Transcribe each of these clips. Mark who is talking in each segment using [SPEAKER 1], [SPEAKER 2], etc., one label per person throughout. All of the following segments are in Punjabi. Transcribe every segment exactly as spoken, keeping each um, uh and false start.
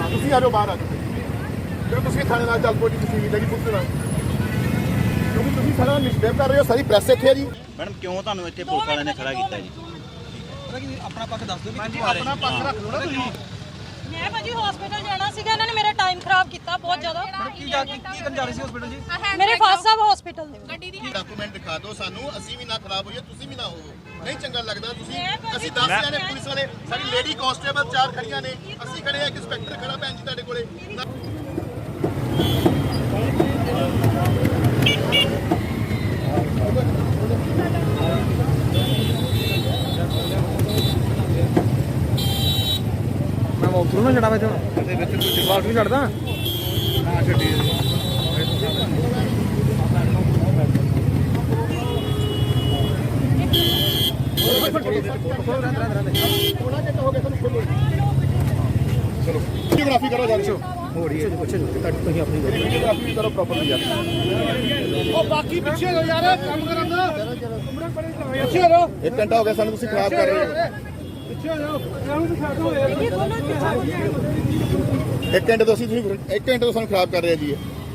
[SPEAKER 1] ਤੁਸੀਂ ਆ ਜਾਓ ਬਾਹਰ ਆ ਜਾਓ ਫਿਰ ਤੁਸੀਂ ਥਾਣੇ ਨਾਲ ਚੱਲ ਪੋ ਜੀ ਤੁਸੀਂ ਵੀ ਜੀ ਪੁੱਛਣਾ ਕਿਉਂਕਿ ਤੁਸੀਂ ਸਾਰਾ ਮਿਸਬਿਹੇਵ ਕਰ ਰਹੇ ਹੋ ਸਾਰੀ ਪ੍ਰੈਸ ਇੱਥੇ ਹੈ ਜੀ
[SPEAKER 2] ਮੈਡਮ ਕਿਉਂ ਤੁਹਾਨੂੰ ਇੱਥੇ ਪੁਲਿਸ ਵਾਲਿਆਂ ਨੇ ਖੜਾ ਕੀਤਾ ਜੀ
[SPEAKER 3] ਆਪਣਾ ਪੱਖ ਦੱਸ ਦਿਓ ਵੀ
[SPEAKER 1] ਆਪਣਾ ਪੱਖ ਰੱਖ ਲਓ ਨਾ ਤੁਸੀਂ
[SPEAKER 4] ਮੈਂ ਭਾਜੀ ਹਸਪੀਟਲ ਜਾਣਾ ਸੀਗਾ ਇਹਨਾਂ ਨੇ ਮੇਰਾ ਟਾਈਮ ਖਰਾਬ ਕੀਤਾ ਬਹੁਤ ਜ਼ਿਆਦਾ
[SPEAKER 3] ਕੀ ਜਾ ਕੀ ਕਰਨ ਜਾ ਰਹੇ ਸੀ ਹਸਪੀਟਲ ਜੀ
[SPEAKER 4] ਮੇਰੇ ਫਾਦਰ ਸਾਹਿਬ ਹਸਪੀਟਲ ਦੇ ਗੱਡੀ ਦੀ
[SPEAKER 1] ਡਾਕੂਮੈਂਟ ਦਿਖਾ ਦਿਓ ਸਾਨੂੰ ਅਸੀਂ ਵੀ ਨਾ ਖਰਾਬ ਹੋਈਏ ਤੁਸੀਂ ਵੀ ਨਾ ਹੋਵੋ ਨਹੀਂ ਚੰਗਾ ਲੱਗਦਾ ਤੁਸੀਂ ਅਸੀਂ ਦਸ ਜਾਣੇ ਪੁਲਿਸ ਵਾਲੇ ਸਾਡੀ ਲੇਡੀ ਕਾਂਸਟੇਬਲ ਚਾਰ ਖੜੀਆਂ ਨੇ ਅਸੀਂ ਖੜੇ ਆ ਇੱਕ ਇੰਸਪੈਕਟਰ ਖੜਾ ਭੈਣ ਜੀ ਤੁਹਾਡੇ ਕੋਲੇ
[SPEAKER 3] ਮੈਂ ਉੱਥੋਂ ਨਾ ਛੜਾ ਵੇ ਤੇ ਇਹਦੇ ਵਿੱਚ ਤੁਸੀਂ ਬਾਹਰ ਵੀ ਛੱਡਦਾ
[SPEAKER 1] ਹਾਂ ਛੱਡੀ ਚਲੋ ਵੀਡੀਓਗ੍ਰਾਫੀ ਕਰੋ ਜਾ ਹੋ ਰਹੀ ਹੈ ਪੁੱਛੋ ਤੁਸੀਂ ਆਪਣੀ ਵੀਡੀਓਗ੍ਰਾਫੀ ਕਰੋ ਪ੍ਰੋਪਰਲੀ ਯਾਰ ਉਹ ਬਾਕੀ ਪਿੱਛੇ ਹੋ ਯਾਰ ਕੰਮ ਕਰਨ ਦਾ ਪਿੱਛੇ ਹੋ ਇੱਕ ਘੰਟਾ ਹੋ ਗਿਆ ਸਾਨੂੰ ਤੁਸੀਂ ਖਰਾਬ ਕਰ ਰਹੇ ਹੋ ਪਿੱਛੇ ਹੋ ਇਹਨੂੰ ਦਿਖਾ ਦਿਓ ਇੱਕ ਘੰਟੇ ਤੋਂ ਅਸੀਂ ਤੁਸੀਂ ਇੱਕ ਘੰਟੇ ਤੋਂ ਸਾਨੂੰ ਖਰਾਬ ਕਰ ਰਹੇ ਜੀ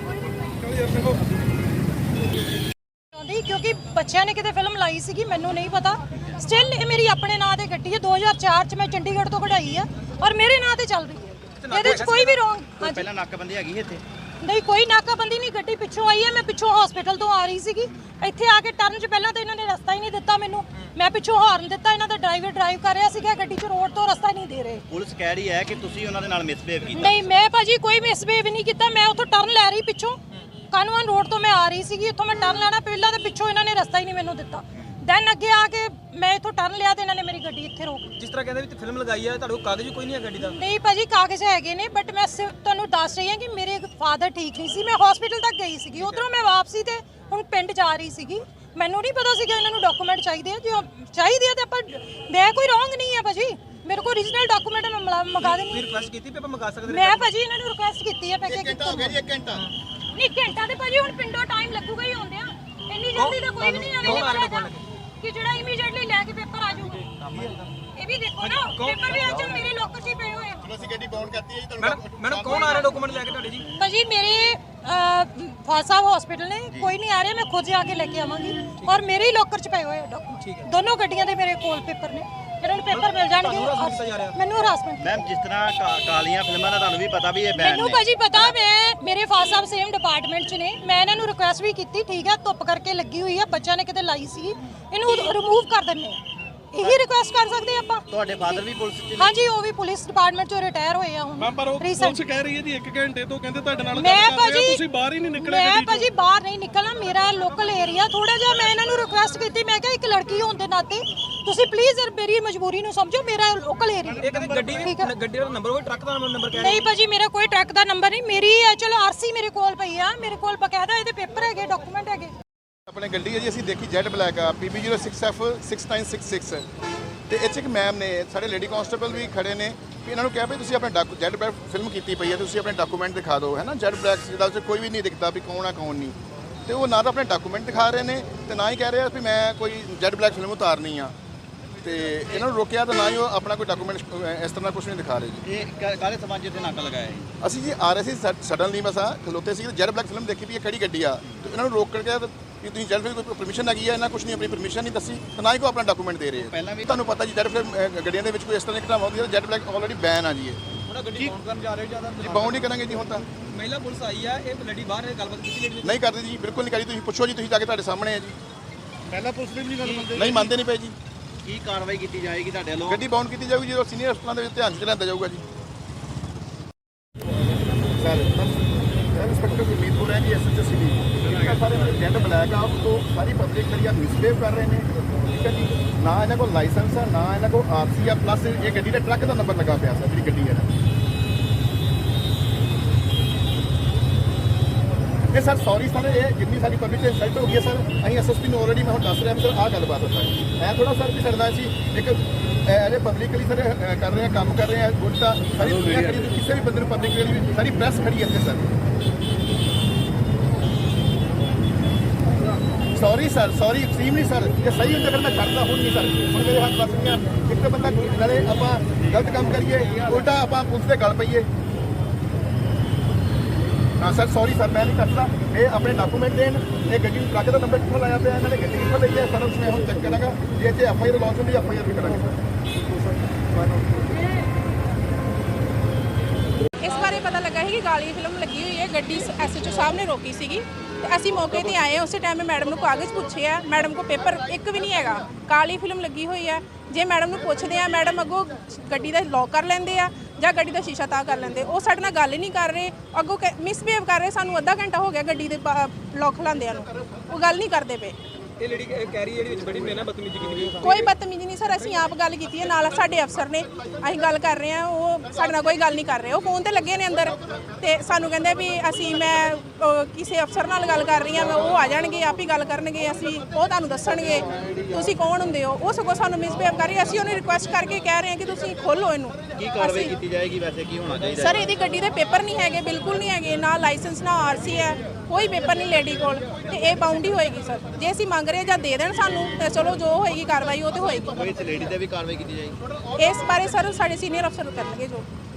[SPEAKER 4] ਕਿਉਂਕਿ ਬੱਚਿਆਂ ਨੇ ਕਿਤੇ ਫਿਲਮ ਲਾਈ ਸੀਗੀ ਮੈਨੂੰ ਨਹੀਂ ਪਤਾ ਸਟਿਲ ਇਹ ਮੇਰੀ ਆਪਣੇ ਨਾਂ ਤੇ ਗੱਡੀ ਹੈ ਦੋ ਹਜ਼ਾਰ ਚਾਰ ਚ ਮੈਂ ਚੰਡੀਗੜ੍ਹ ਤੋਂ ਕਢਾਈ ਆ ਔਰ ਮੇਰੇ ਨਾਂ ਤੇ ਚੱਲ ਰਹੀ ਹੈ ਇਹਦੇ ਚ ਕੋਈ ਵੀ ਰੋਂਗ
[SPEAKER 2] ਪਹਿਲਾਂ ਨਾਕਾਬੰਦੀ ਹੈਗੀ ਇੱਥੇ
[SPEAKER 4] ਨਹੀਂ ਕੋਈ ਨਾਕਾਬੰਦੀ ਨਹੀਂ ਗੱਡੀ ਪਿੱਛੋਂ ਆਈ ਹੈ ਮੈਂ ਪਿੱਛੋਂ ਹਸਪੀਟਲ ਤੋਂ ਆ ਰਹੀ ਸੀਗੀ ਇੱਥੇ ਆ ਕੇ ਟਰਨ 'ਚ ਪਹਿਲਾਂ ਤਾਂ ਇਹਨਾਂ ਨੇ ਰਸਤਾ ਹੀ ਨਹੀਂ ਦਿੱਤਾ ਮੈਨੂੰ ਮੈਂ ਪਿੱਛੋਂ ਹਾਰਨ ਦਿੱਤਾ ਇਹਨਾਂ ਦਾ ਡਰਾਈਵਰ ਡਰਾਈਵ ਕਰ ਰਿਹਾ ਸੀਗਾ ਗੱਡੀ 'ਚ ਰੋਡ ਤੋਂ ਰਸਤਾ ਨਹੀਂ ਦੇ ਰਹੇ
[SPEAKER 2] ਪੁਲਿਸ ਕਹਿ ਰਹੀ ਹੈ ਕਿ ਤੁਸੀਂ ਉਹਨਾਂ ਦੇ ਨਾਲ ਮਿਸਬਿਹੇਵ ਕੀਤਾ
[SPEAKER 4] ਨਹੀਂ ਮੈਂ ਭਾਜੀ ਕੋਈ ਮਿਸਬਿਹੇਵ ਨਹੀਂ ਕੀਤਾ ਮੈਂ ਉੱਥੋਂ ਟਰਨ ਲੈ ਰਹੀ ਪਿੱਛੋਂ ਕਾਨਵਾਨ ਰੋਡ ਤੋਂ ਮੈਂ ਆ ਰਹੀ ਸੀਗੀ ਉੱਥੋਂ ਮੈਂ ਟਰਨ ਲੈਣਾ ਪਹਿਲਾਂ ਤੇ ਪਿੱਛੋਂ ਇਹਨਾਂ ਨੇ ਰਸਤਾ ਹੀ ਨਹੀਂ ਮੈਨੂੰ ਦਿੱਤਾ ਦੈਨ ਅੱਗੇ ਆ ਕੇ ਮੈਂ ਇੱਥੋਂ ਟਰਨ ਲਿਆ ਤੇ ਇਹਨਾਂ ਨੇ ਮੇਰੀ ਗੱਡੀ ਇੱਥੇ ਰੋਕ
[SPEAKER 3] ਜਿਸ ਤਰ੍ਹਾਂ ਕਹਿੰਦੇ ਵੀ ਫਿਲਮ ਲਗਾਈ ਹੈ ਤੁਹਾਡੇ ਕੋਲ ਕਾਗਜ਼ ਕੋਈ ਨਹੀਂ ਹੈ ਗੱਡੀ ਦਾ
[SPEAKER 4] ਨਹੀਂ ਭਾਜੀ ਕਾਗਜ਼ ਹੈਗੇ ਨੇ ਬਟ ਮੈਂ ਸਿਰਫ ਤੁਹਾਨੂੰ ਦੱਸ ਰਹੀ ਹਾਂ ਕਿ ਮੇਰੇ ਫਾਦਰ ਠੀਕ ਨਹੀਂ ਸੀ ਮੈਂ ਹਸਪੀਟਲ ਤੱਕ ਗਈ ਸੀਗੀ ਉਧਰੋਂ ਮੈਂ ਵਾਪਸੀ ਤੇ ਹੁਣ ਪਿੰਡ ਜਾ ਰਹੀ ਸੀਗੀ ਮੈਨੂੰ ਨਹੀਂ ਪਤਾ ਸੀ ਕਿ ਇਹਨਾਂ ਨੂੰ ਡਾਕੂਮੈਂਟ ਚਾਹੀਦੇ ਆ ਜੇ ਚਾਹੀਦੇ ਆ ਤੇ ਆਪਾਂ ਮੈਂ ਕੋਈ ਰੋਂਗ ਨਹੀਂ ਹੈ ਭਾਜੀ ਮੇਰੇ ਕੋਲ ਓਰੀਜਨਲ ਡਾਕੂਮੈਂਟ ਮੈਂ ਮੰਗਾ ਦੇਣੀ
[SPEAKER 3] ਰਿਕੁਐਸਟ ਕੀਤੀ ਵੀ ਆਪਾਂ ਮੰਗਾ ਸਕਦੇ
[SPEAKER 4] ਮੈਂ ਭਾਜੀ ਇਹਨਾਂ ਨੂੰ ਰਿਕੁਐਸਟ ਕੀਤੀ ਹੈ ਪੈਕੇ
[SPEAKER 1] ਘੰਟਾ ਹੋ ਗਿਆ ਜੀ ਇੱਕ ਘੰਟਾ
[SPEAKER 4] ਨਹੀਂ ਘੰਟਾ ਤੇ ਭਾਜੀ ਹੁਣ ਪਿੰਡੋਂ ਟਾਈਮ ਲੱਗੂਗਾ ਹੀ ਆਉਂਦੇ ਆ ਇੰਨੀ ਜਲਦੀ ਤਾਂ ਕੋਈ ਵੀ ਨਹੀਂ ਆਵੇਗਾ ਕਿ ਜਿਹੜਾ ਇਮੀਡੀਏਟਲੀ ਲੈ ਕੇ ਪੇਪਰ ਆ ਜਾਊਗਾ ਇਹ ਵੀ ਦੇਖੋ ਨਾ ਪੇਪਰ ਵੀ ਅੱਜ ਮੇਰੇ ਲੋਕਰ 'ਚ ਹੀ ਪਏ ਹੋਏ ਆ
[SPEAKER 1] ਚਲੋ ਅਸੀਂ ਗੱਡੀ ਬਾਉਂਡ ਕਰਤੀ ਹੈ ਜੀ
[SPEAKER 3] ਮੈਡਮ ਮੈਡਮ ਕੌਣ ਆ ਰਿਹਾ ਡਾਕੂਮੈਂਟ ਲੈ ਕੇ ਤੁਹਾਡੇ ਜੀ
[SPEAKER 4] ਭਾਜੀ ਮੇਰੇ ਫਾਦਰ ਸਾਹਿਬ ਹਸਪੀਟਲ ਨੇ ਕੋਈ ਨਹੀਂ ਆ ਰਿਹਾ ਮੈਂ ਖੁਦ ਜਾ ਕੇ ਲੈ ਕੇ ਆਵਾਂਗੀ ਔਰ ਮੇਰੇ ਹੀ ਲੋਕਰ 'ਚ ਪਏ ਹੋਏ ਆ ਡਾਕੂਮੈਂਟ ਦੋਨੋਂ ਗੱਡੀਆਂ ਦੇ ਮੇਰੇ ਕੋਲ ਪੇਪਰ ਨੇ ਇਹਨਾਂ ਨੂੰ ਪੇਪਰ ਮਿਲ ਜਾਣਗੇ ਮੈਨੂੰ ਹਰਾਸਮੈਂਟ
[SPEAKER 2] ਮੈਮ ਜਿਸ ਤਰ੍ਹਾਂ ਕਾਲੀਆਂ ਫਿਲਮਾਂ ਦਾ ਤੁਹਾਨੂੰ ਵੀ ਪਤਾ ਵੀ ਇਹ ਬੈਨ
[SPEAKER 4] ਮੈਨੂੰ ਭਾਜੀ ਪਤਾ ਮੈਂ ਮੇਰੇ ਫਾਦਰ ਸਾਹਿਬ ਸੇਮ ਡਿਪਾਰਟਮੈਂਟ 'ਚ ਨੇ ਮੈਂ ਇਹਨਾਂ ਨੂੰ ਰਿਕੁਐਸਟ ਵੀ ਕੀਤੀ ਠੀਕ ਹੈ ਧੁੱਪ ਕਰਕੇ ਲੱਗੀ ਹੋਈ ਹੈ ਬੱਚਿਆਂ ਨੇ ਕਿਤੇ ਲਾਈ ਸੀ ਇਹਨੂੰ ਰਿਮੂਵ ਕਰ ਦਿੰਨੇ ਆ ਇਹੀ ਰਿਕੁਐਸਟ ਕਰ ਸਕਦੇ ਆਪਾਂ
[SPEAKER 2] ਤੁਹਾਡੇ ਫਾਦਰ ਵੀ ਪੁਲਿਸ ਚ
[SPEAKER 4] ਹਾਂਜੀ ਉਹ ਵੀ ਪੁਲਿਸ ਡਿਪਾਰਟਮੈਂਟ 'ਚੋਂ ਰਿਟਾਇਰ ਹੋਏ ਆ ਹੁਣ
[SPEAKER 5] ਮੈਂ ਪਰ ਉਹ ਪੁਲਿਸ ਕਹਿ ਰਹੀ ਹੈ ਜੀ ਇੱਕ ਘੰਟੇ ਤੋਂ ਕਹਿੰਦੇ ਤੁਹਾਡੇ ਨਾਲ
[SPEAKER 4] ਮੈਂ
[SPEAKER 5] ਗੱਲ ਕਰ ਰਹੇ
[SPEAKER 4] ਭਾਜੀ
[SPEAKER 5] ਤੁਸੀਂ ਬਾਹਰ ਹੀ ਨਹੀਂ ਨਿਕਲੇ
[SPEAKER 4] ਮੈਂ ਭਾਜੀ ਬਾਹਰ ਨਹੀਂ ਨਿਕਲਣਾ ਮੇਰਾ ਲੋਕਲ ਏਰੀਆ ਥੋੜਾ ਜਿਹਾ ਮੈਂ ਇਹਨਾਂ ਨੂੰ ਰਿਕੁਐਸਟ ਕੀਤੀ ਮੈਂ ਕਿਹਾ ਇੱਕ ਲੜਕੀ ਹੋਣ ਦੇ ਨਾਤੇ ਤੁਸੀਂ ਪਲੀਜ਼ ਮੇਰੀ ਮਜਬੂਰੀ ਨੂੰ ਸਮਝੋ ਮੇਰਾ ਲੋਕਲ ਏਰੀਆ
[SPEAKER 3] ਇਹ ਕਹਿੰਦੇ ਗੱਡੀ ਵੀ ਗੱਡੀ ਦਾ ਨੰਬਰ ਕੋਈ ਟਰੱਕ ਦਾ ਨੰਬਰ ਕਹਿ
[SPEAKER 4] ਨਹੀਂ ਭਾਜੀ ਮੇਰਾ ਕੋਈ ਟਰੱਕ ਦਾ ਨੰਬਰ ਨਹੀਂ ਮੇਰੀ ਚਲੋ ਆਰਸੀ ਮੇਰੇ ਕੋਲ ਪਈ ਆ ਮੇਰੇ ਕੋਲ ਬਕਾਇਦਾ ਇਹਦੇ ਪੇਪਰ ਹੈਗੇ ਡਾਕੂਮੈਂਟ ਹੈਗੇ
[SPEAKER 1] ਆਪਣੇ ਗੱਡੀ ਹੈ ਜੀ ਅਸੀਂ ਦੇਖੀ ਜੈਡ ਬਲੈਕ ਆ P B zero six F six nine six six ਤੇ ਇੱਥੇ ਇੱਕ ਮੈਮ ਨੇ ਸਾਡੇ ਲੇਡੀ ਕਾਂਸਟੇਬਲ ਵੀ ਖੜੇ ਨੇ ਵੀ ਇਹਨਾਂ ਨੂੰ ਕਿਹਾ ਵੀ ਤੁਸੀਂ ਆਪਣੇ ਜੈਡ ਬਲੈਕ ਫਿਲਮ ਕੀਤੀ ਪਈ ਹੈ ਤੁਸੀਂ ਆਪਣੇ ਡਾਕੂਮੈਂਟ ਦਿਖਾ ਦਿਓ ਹੈ ਨਾ ਜੈਡ ਬਲੈਕ ਜਿਹਦਾ ਵਿੱਚ ਕੋਈ ਵੀ ਨਹੀਂ ਦਿਖਦਾ ਵੀ ਕੌਣ ਆ ਕੌਣ ਨਹੀਂ ਤੇ ਉਹ ਨਾ ਤਾਂ ਆਪਣੇ ਡਾਕੂਮੈਂਟ ਦਿਖਾ ਰਹੇ ਨੇ ਤੇ ਨਾ ਹੀ ਕਹਿ ਰਹੇ ਆ ਵੀ ਮੈਂ ਕੋਈ ਜੈਡ ਬਲੈਕ ਫਿਲਮ ਉਤਾਰਨੀ ਆ ਤੇ ਇਹਨਾਂ ਨੂੰ ਰੋਕਿਆ ਤਾਂ ਨਾ ਹੀ ਉਹ ਆਪਣਾ ਕੋਈ ਡਾਕੂਮੈਂਟ ਇਸ ਤਰ੍ਹਾਂ ਕੁਝ ਨਹੀਂ ਦਿਖਾ ਰਹੇ ਜੀ
[SPEAKER 2] ਇਹ ਕਾਲੇ ਸਮਾਜ ਜਿੱਥੇ ਨਾਕਾ ਲਗਾਇਆ ਹੈ
[SPEAKER 1] ਅਸੀਂ ਜੀ ਆ ਰਹੇ ਸੀ ਸਡਨਲੀ ਮਸਾ ਖਲੋਤੇ ਸੀ ਜੈਡ ਬਲੈਕ ਫਿਲਮ ਦੇਖੀ ਵੀ ਇਹ ਕਿਹੜੀ ਗੱਡੀ ਆ ਤੇ ਇਹਨਾਂ ਨੂੰ ਰੋਕ ਕਰਕੇ ਕਿ ਤੁਸੀਂ ਜੈਡ ਫਿਲਮ ਕੋਈ ਪਰਮਿਸ਼ਨ ਹੈਗੀ ਆ ਇਹਨਾਂ ਕੁਝ ਨਹੀਂ ਆਪਣੀ ਪਰਮਿਸ਼ਨ ਨਹੀਂ ਦੱਸੀ ਤਾਂ ਨਾ ਹੀ ਕੋਈ ਆਪਣਾ ਡਾਕੂਮੈਂਟ ਦੇ ਰਹੇ
[SPEAKER 2] ਪਹਿਲਾਂ ਵੀ
[SPEAKER 1] ਤੁਹਾਨੂੰ ਪਤਾ ਜੀ ਜੈਡ ਫਿਲਮ ਗੱਡੀਆਂ ਦੇ ਵਿੱਚ ਕੋਈ ਇਸ ਤਰ੍ਹਾਂ ਦੀ ਘਟਨਾ ਹੁੰਦੀ ਹੈ ਜੈਡ ਬਲੈਕ ਆਲਰੇਡੀ ਬੈਨ ਆ ਜੀ ਇਹ
[SPEAKER 3] ਹੁਣ ਗੱਡੀ ਬਾਉਂਡ ਕਰਨ ਜਾ ਰਹੇ ਜਿਆਦਾ
[SPEAKER 1] ਜੀ ਬਾਉਂਡ ਹੀ ਕਰਾਂਗੇ ਜੀ ਹੁਣ ਤਾਂ
[SPEAKER 3] ਮਹਿਲਾ ਪੁਲਿਸ ਆਈ ਆ ਇਹ ਲੜੀ ਬਾਹਰ ਗੱਲਬਾਤ ਕੀਤੀ ਲੜੀ
[SPEAKER 1] ਨਹੀਂ ਕਰਦੇ ਜੀ ਬਿਲਕੁਲ ਨਹੀਂ ਕਰੀ ਤੁਸੀਂ ਪੁੱਛੋ ਜੀ ਤੁਸੀਂ ਜਾ ਕੇ ਤੁਹਾਡੇ ਸਾਹਮਣੇ ਆ ਜੀ
[SPEAKER 5] ਪਹਿਲਾਂ ਪੁਲਿਸ ਵੀ ਨਹੀਂ ਗੱਲ ਮੰਨਦੇ
[SPEAKER 1] ਨਹੀਂ ਮੰਨਦੇ ਨਹੀਂ ਪਏ ਜੀ
[SPEAKER 2] ਕੀ ਕਾਰਵਾਈ ਕੀਤੀ ਜਾਏਗੀ ਤੁਹਾਡੇ ਵੱਲੋਂ
[SPEAKER 1] ਗੱਡੀ ਬਾਉਂਡ ਕੀਤੀ ਜਾਊਗੀ ਜਦੋਂ ਸੀਨੀਅਰ ਹਸਪਤਾਲਾਂ ਦੇ ਵਿੱਚ ਧਿਆਨ 'ਚ ਲਿਆਂਦਾ ਜਾਊਗਾ ਜੀ ਸਰ ਇੰਸਪੈਕਟਰ ਗੁਰਮੀਤਪੁਰ ਹੈ ਜੀ ਐਸਐਚਓ ਸਿਟੀ ਸਾਰੇ ਜੈਡ ਬਲੈਕ ਆ ਤੋਂ ਸਾਰੀ ਪਬਲਿਕ ਜਿਹੜੀ ਆ ਮਿਸਬਿਹੇਵ ਕਰ ਰਹੇ ਨੇ ਠੀਕ ਹੈ ਜੀ ਨਾ ਇਹਨਾਂ ਕੋਲ ਲਾਇਸੈਂਸ ਆ ਨਾ ਇਹਨਾਂ ਕੋਲ ਆਰਸੀ ਆ ਪਲੱਸ ਇਹ ਗੱਡੀ ਦਾ ਟਰੱਕ ਦਾ ਨੰਬਰ ਲੱਗਾ ਪਿਆ ਸਰ ਜਿਹੜੀ ਗੱਡੀ ਹੈ ਨਾ ਇਹ ਸਰ ਸੌਰੀ ਸਰ ਇਹ ਜਿੰਨੀ ਸਾਡੀ ਪਬਲਿਕ ਤੇ ਇਨਸਲਟ ਹੋ ਗਈ ਹੈ ਸਰ ਅਸੀਂ ਐਸਐਸਪੀ ਨੂੰ ਆਲਰੇਡੀ ਮੈਂ ਹੁਣ ਦੱਸ ਰਿਹਾ ਸਰ ਆਹ ਗੱਲਬਾਤ ਹੁੰਦਾ ਹੈ ਐ ਥੋੜਾ ਸਰ ਵੀ ਸਰਦਾ ਸੀ ਇੱਕ ਇਹਦੇ ਪਬਲਿਕਲੀ ਸਰ ਕਰ ਰਹੇ ਆ ਕੰਮ ਕਰ ਰਹੇ ਆ ਗੁੱਡ ਤਾਂ ਸਾਰੀ ਦੁਨੀਆ ਖੜੀ ਕਿਸੇ ਵੀ ਬੰਦੇ ਨੂੰ ਪਬਲਿਕ ਜਿਹੜੀ ਸਾਰੀ ਪ੍ਰੈਸ ਖੜੀ ਹੈ ਇੱਥੇ sir sorry sir sorry extremely sir ਜੇ ਸਹੀ ਹੁੰਦਾ ਫਿਰ ਮੈਂ ਛੱਡਦਾ ਹੁਣ ਨਹੀਂ ਸਰ ਹੁਣ ਮੇਰੇ ਹੱਥ ਬਸ ਨਹੀਂ ਆ ਇੱਕ ਤਾਂ ਬੰਦਾ ਨਾਲੇ ਆਪਾਂ ਗਲਤ ਕੰਮ ਕਰੀਏ ਉਲਟਾ ਆਪਾਂ ਪੁਲਿਸ ਦੇ ਗਲ ਪਈਏ ਹਾਂ ਸਰ ਸੌਰੀ ਸਰ ਮੈਂ ਨਹੀਂ ਕਰਦਾ ਇਹ ਆਪਣੇ ਡਾਕੂਮੈਂਟ ਦੇਣ ਇਹ ਗੱਡੀ ਨੂੰ ਟਰੱਕ ਦਾ ਨੰਬਰ ਕਿੱਥੋਂ ਲਾਇਆ ਪਿਆ ਇਹਨਾਂ ਨੇ ਗੱਡੀ ਕਿੱਥੋਂ ਲਈ ਹੈ ਸਰ ਮੈਂ ਹੁਣ ਚੈੱਕ ਕਰਾਂਗਾ ਜੇ ਇੱਥੇ ਐਫ ਆਈ ਆਰ ਲੌਂਚ ਹੁੰਦੀ ਐਫ ਆਈ ਆਰ ਵੀ ਕਰਾਂਗੇ
[SPEAKER 6] ਇਸ ਬਾਰੇ ਪਤਾ ਲੱਗਾ ਹੈ ਕਿ ਕਾਲੀ ਫਿਲਮ ਲੱਗੀ ਹੋਈ ਹੈ ਗੱਡੀ ਐਸ ਐਚ ਓ ਸਾਹਿਬ ਨੇ ਰੋਕੀ ਸੀਗੀ ਤੇ ਅਸੀਂ ਮੌਕੇ ਤੇ ਆਏ ਉਸੇ ਟਾਈਮ ਮੈਡਮ ਨੂੰ ਕਾਗਜ਼ ਪੁੱਛੇ ਆ ਮੈਡਮ ਕੋ ਪੇਪਰ ਇੱਕ ਵੀ ਨਹੀਂ ਹੈਗਾ ਕਾਲੀ ਫਿਲਮ ਲੱਗੀ ਹੋਈ ਹੈ ਜੇ ਮੈਡਮ ਨੂੰ ਪੁੱਛਦੇ ਆ ਮੈਡਮ ਅੱਗੋਂ ਗੱਡੀ ਦਾ ਲੌਕ ਕਰ ਲੈਂਦੇ ਆ ਜਾਂ ਗੱਡੀ ਦਾ ਸ਼ੀਸ਼ਾ ਤਾਂ ਕਰ ਲੈਂਦੇ ਉਹ ਸਾਡੇ ਨਾਲ ਗੱਲ ਹੀ ਨਹੀਂ ਕਰ ਰਹੇ ਅੱਗੋਂ ਮਿਸਬਿਹੇਵ ਕਰ ਰਹੇ ਸਾਨੂੰ ਅੱਧਾ ਘੰਟਾ ਹੋ ਗਿਆ ਗੱਡੀ ਦੇ ਲੌਕ ਖਲਾਉਂਦਿਆਂ ਨੂੰ ਉਹ ਗੱਲ ਨਹੀਂ ਕਰਦੇ ਪਏ
[SPEAKER 3] ਇਹ ਲੜੀ ਕਹਿ ਰਹੀ ਜਿਹੜੀ ਵਿੱਚ ਬੜੀ ਮੇਰੇ ਨਾਲ ਬਦਤਮੀਜ਼ੀ ਕੀਤੀ ਗਈ
[SPEAKER 6] ਕੋਈ ਬਦਤਮੀਜ਼ੀ ਨਹੀਂ ਸਰ ਅਸੀਂ ਆਪ ਗੱਲ ਕੀਤੀ ਹੈ ਨਾਲ ਸਾਡੇ ਅਫਸਰ ਨੇ ਅਸੀਂ ਗੱਲ ਕਰ ਰਹੇ ਹਾਂ ਉਹ ਸਾਡੇ ਨਾਲ ਕੋਈ ਗੱਲ ਨਹੀਂ ਕਰ ਰਹੇ ਉਹ ਫੋਨ ਤੇ ਲੱਗੇ ਨੇ ਅੰਦਰ ਤੇ ਸਾਨੂੰ ਕਹਿੰਦੇ ਵੀ ਅਸੀਂ ਮੈਂ ਅਹ, ਕਿਸੇ ਅਫਸਰ ਨਾਲ ਗੱਲ ਕਰ ਰਹੀ ਹਾਂ ਉਹ ਆ ਜਾਣਗੇ ਆਪ ਹੀ ਗੱਲ ਕਰਨਗੇ ਅਸੀਂ ਉਹ ਤੁਹਾਨੂੰ ਦੱਸਣਗੇ ਤੁਸੀਂ ਕੌਣ ਹੁੰਦੇ ਹੋ ਉਹ ਸਗੋਂ ਸਾਨੂੰ ਮਿਸਬਿਹੇਵ ਕਰ ਰਹੀ ਅਸੀਂ ਉਹਨੂੰ ਰਿਕੁਐਸਟ ਕਰਕੇ ਕਹਿ ਰਹੇ ਹਾਂ ਕਿ ਤੁਸੀਂ ਖੋਲੋ ਇਹਨੂੰ
[SPEAKER 2] ਕੀ ਕਾਰਵਾਈ ਕੀਤੀ ਜਾਏਗੀ ਵੈਸੇ ਕੀ ਹੋਣਾ ਚਾਹੀਦਾ
[SPEAKER 6] ਸਰ ਇਹਦੀ ਗੱਡੀ ਦੇ ਪੇਪਰ ਨਹੀਂ ਹੈਗੇ ਬਿਲਕੁਲ ਨਹੀਂ ਹੈਗੇ ਨਾ ਲਾਇਸੈਂਸ ਨਾ ਆਰ ਸੀ ਹੈ ਕੋਈ ਪੇਪਰ ਨਹੀਂ ਲੇਡੀ ਕੋਲ ਤੇ ਇਹ ਬਾਉਂਡ ਹੀ ਹੋਏਗੀ ਸਰ ਜੇ ਅਸੀਂ ਮੰਗ ਰਹੇ ਜਾਂ ਦੇ ਦੇਣ ਸਾਨੂੰ ਤੇ ਚਲੋ ਜੋ ਹੋਏਗੀ ਕਾਰਵਾਈ ਉਹ ਤੇ ਹੋਏਗੀ
[SPEAKER 2] ਕੋਈ ਇਸ ਲੇਡੀ ਤੇ ਵੀ ਕਾਰਵਾਈ ਕੀਤੀ ਜਾਏਗੀ
[SPEAKER 6] ਇਸ ਬਾਰੇ ਸਰ ਸਾਡੇ ਸੀਨੀਅਰ ਅਫਸਰ ਕਰਨਗੇ ਜੋ